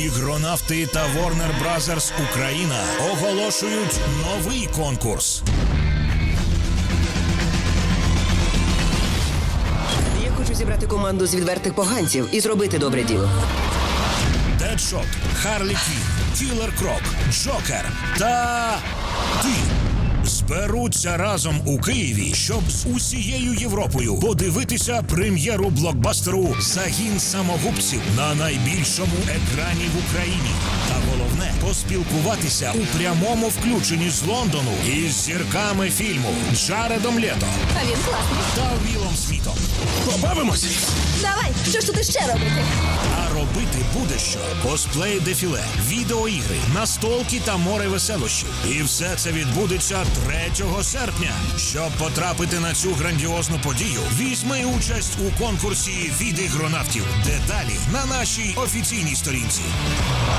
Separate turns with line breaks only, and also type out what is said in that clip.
Ігронавти та Warner Brothers Україна оголошують новий конкурс.
Я хочу зібрати команду з відвертих поганців і зробити добре діло.
Дедшот, Харлі Квін, Кілер Крок, Джокер та ти зберуться разом у Києві, щоб з усією Європою подивитися прем'єру блокбастеру «Загін самогубців» на найбільшому екрані в Україні. Та головне – поспілкуватися у прямому включенні з Лондону із зірками фільму Джаредом Лето
А він класний.
та Вілом Смітом. Побавимось!
Давай, що ж тут іще робити?
А робити буде що? Косплей-дефіле, відеоігри, настолки та море веселощів. І все це відбудеться 3 серпня. Щоб потрапити на цю грандіозну подію, візьми участь у конкурсі від ігронавтів. Деталі на нашій офіційній сторінці.